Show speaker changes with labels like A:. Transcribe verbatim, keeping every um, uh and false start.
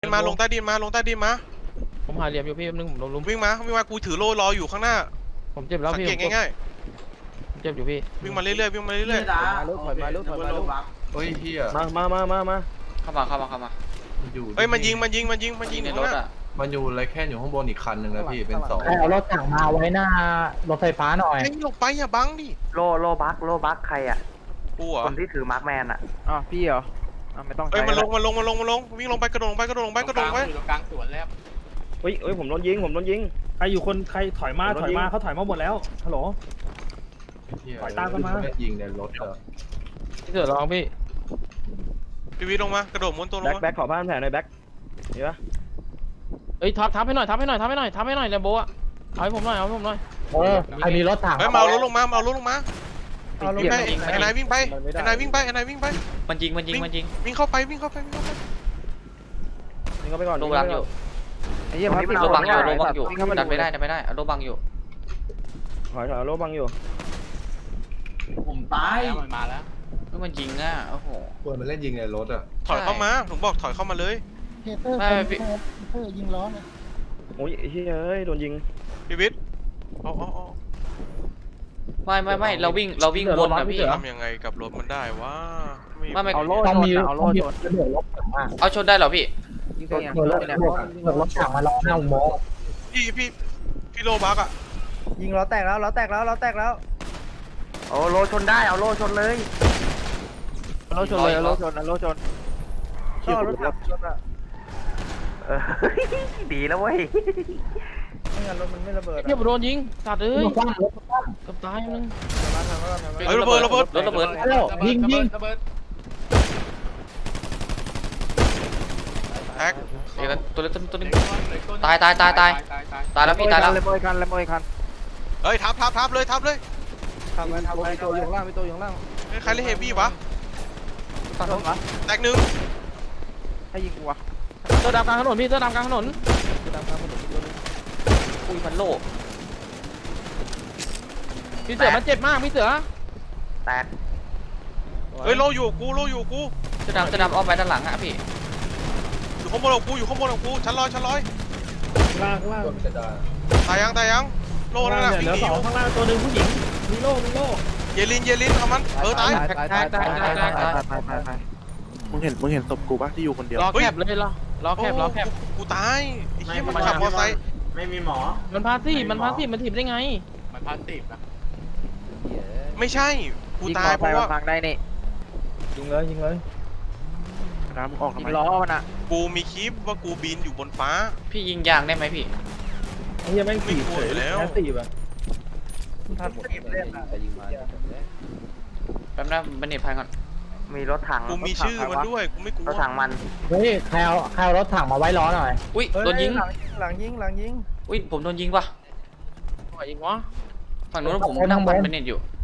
A: มาลงใต้ดินมาลงใต้ดินมา
B: ผมหาเหลี่ยมอยู่พี่นึงผมโดนลุม
A: วิ่งมาวิ่งมากูถือโล่รออยู่ข้างหน้า
B: ผมเจ็บแล้วพี่
A: สังเกตง่าย
B: ๆเจ็บอยู่พี่
A: วิ่งมาเรื่อยๆวิ่งมาเรื่อย
C: ๆมาลุกถอยมาลุกถอยมาลุก
D: เฮ้ยเฮีย
E: มามามามามา
F: เข้ามาเข้ามาเข้ามา
D: อยู่
A: เฮ้ยมันยิงมันยิงมันยิงมันยิง
F: ในรถอ่ะ
D: มันอยู่อะไรแค่อยู่ข้างบนอีกคันหนึ่งนะพี่เป็นสอง
G: เอารถถังมาไว้หน้ารถไฟฟ้าหน่อย
A: ไอ้ลงไปอย่าบังดิ
C: โลโลบักโลบักใครอ่ะ
A: กูเหรอ
C: คนที่ถือมาร์คแมนอ่ะ
B: อ๋อพี่เหรอไม่ต้อง
A: เฮ้ยมันลงมันลงมันลงมันลงวิ่งลงไปกระโดดลงไปกระโดดลงไปกระโดดลงไป
F: อยู่ตรงกลางสวนแล้ว
E: เฮ้ยเฮ้ยผมโดนยิงผมโดนยิง
B: ใครอยู่คนใครถอยมาถอยมาเขาถอยมาหมดแล้วฮัลโหล
D: ถอยตามกันมายิงในรถเหรอ
B: พี่เสือลองพี่
A: พี่วิลงมากระโดดม้วนตัวลงมา
E: แบ็คแบ็คขอบ้านแผลหน่อยแบ็คเห็นปะ
B: เอ้ยทับทับให้หน่อยทับให้หน่อยทับให้หน่อยทับให้หน่อยแลมโบอะเอาให้ผมหน่อยเอาให้ผมหน่อย
G: เออใครมีรถถัง
A: เฮ้ยเมารถลงมาเมารถลงมาวิ่งไปไอ้นายวิ่งไปไอ้นายวิ่งไปไอ้นายวิ่งไป
F: มันยิงมันยิงมันยิง
A: วิ่งเข้าไปวิ่งเข้าไปวิ่งเข้าไป
E: นี่ก็ไปก่อน
F: โลบังอยู่
C: ไอ้เหี้ยพับ
F: โลบังอยู่โลบังอยู่ดันไม่ได้ดันไม่ได้โลบังอยู่
E: ถอยถอยโลบังอยู่
C: ผมตาย
F: มันมาแล้วก็มันยิงอ่ะโอ้โห
D: ควรมันเล่นยิงในรถอ่ะ
A: ถอยเข้ามาผมบอกถอยเข้ามาเลย
G: เฮเตอร์เฮเตอร์ยิงล้อนะ
E: โอ้ยเฮ้ยเฮ้ยโดนยิง
A: พี่วิทย์อ๋ออ๋อ
F: ไม่ไม่ไม่เราวิ่งเราวิ่งวนนะพี่
A: ทำยังไงกับรถมันได้วะ
F: ไม่ไม่
B: เอาโล่
G: ต้องมี
B: เอาโล่ชน
F: เอาชนได้เหรอพี่
G: รถรถรถถังมาล้อหน้าอุโมงค์
A: พี่พี่พี่โลบักอ่ะ
C: ยิงล้อแตกแล้วล้อแตกแล้วล้อแตกแล้วโอ้โลชนได้เอาโลชนเลย
B: โล่ชนเลยโล่ชนโล่ชน
C: ก็รถถังชนอ่ะเออดีแล้วเว้ยไม่งั้นรถมันไม่ระเบิด
B: เทียบโดนยิงสัตว์เอ้ยกับตายนึง
A: เฮ้ยระเบิดระเบิด
F: รถระเบิด
G: ยิงยิง
A: แท็ก
F: ตัวเล็กตัวนึงตายตายตายตายตายแล้วพี่ตายแล้ว
C: เลยโบยคันเลยโบยคัน
A: เฮ้ยทับทับทับเลยทับเลย
C: ทำไว้ทำไว้ตัวอยู่ล่างมีตัวอยู่ล่าง
A: ใครเล่นเฮฟวี่วะแตกหนึ่ง
C: ให้ยิงกูวะ
B: เสื้อดำกลางถนนพี่เสื้อดำกลางถนน
C: เสื้อดำกลางถนน
F: อุ้ยพันโล
B: พี่เสือมันเจ็บมากพี่เสือ
C: แตก
A: เฮ้ยโลอยู่กูโลอยู่กู
F: เสื้อดำเสื้อดำอ้อมไปด้านหลังอะพี่
A: อยู่ข้างบนของกูอยู่ข้างบนของกูชั้นลอยชั้นลอย
B: ล่างล่าง
A: ตายยังตายยังโลนั่นแหละ
B: เหลือสองข้างล่างตัวหนึ่งผู้หญิงมีโล่มีโล่
A: เยลินเยลินเอามันเออตาย
C: ตายตายตายตายตายตายตายตาย
E: มึงเห็นมึงเห็นศพกูปะที่อยู่คนเดียว
B: รอแคบเลยรอรอแคบรอแคบ
A: กูตายไอ้เหี้ยมันขับมอเตอร์ไซค์
C: ไม่มีหมอ
B: มันพาสีมันพาสีมันถีบได้ไง
F: มันพาสีนะ
A: ไม่ใช่กูตายเพราะว่า
C: ฟังได้นี่
E: ยิงเลยยิงเลยน้ำออกทำไม
C: ล้อมันอะ
A: กูมีคลิปว่ากูบินอยู่บนฟ้า
F: พี่ยิงยางได้ไหมพี่
B: ไอ้เหี้ยไม่ถีบเลยแล้วถีบอะ
C: ทันทีเล่นอะ
F: แป๊บนึงบันเน็ตพังก่อน
C: มีรถถัง
A: กูมีชื่อมันด้วยกูไม่กลัว
C: รถถังมัน
G: เฮ้ยใครเอาใครเอารถถังมาไว้ล้อหน่อย
F: อุ้ยโดนยิง
C: หลังยิงหลังยิง
F: อุ้ยผมโดนยิงปะยิงวะฝั่งนู้นผมนั่งบันเน็ตอยู่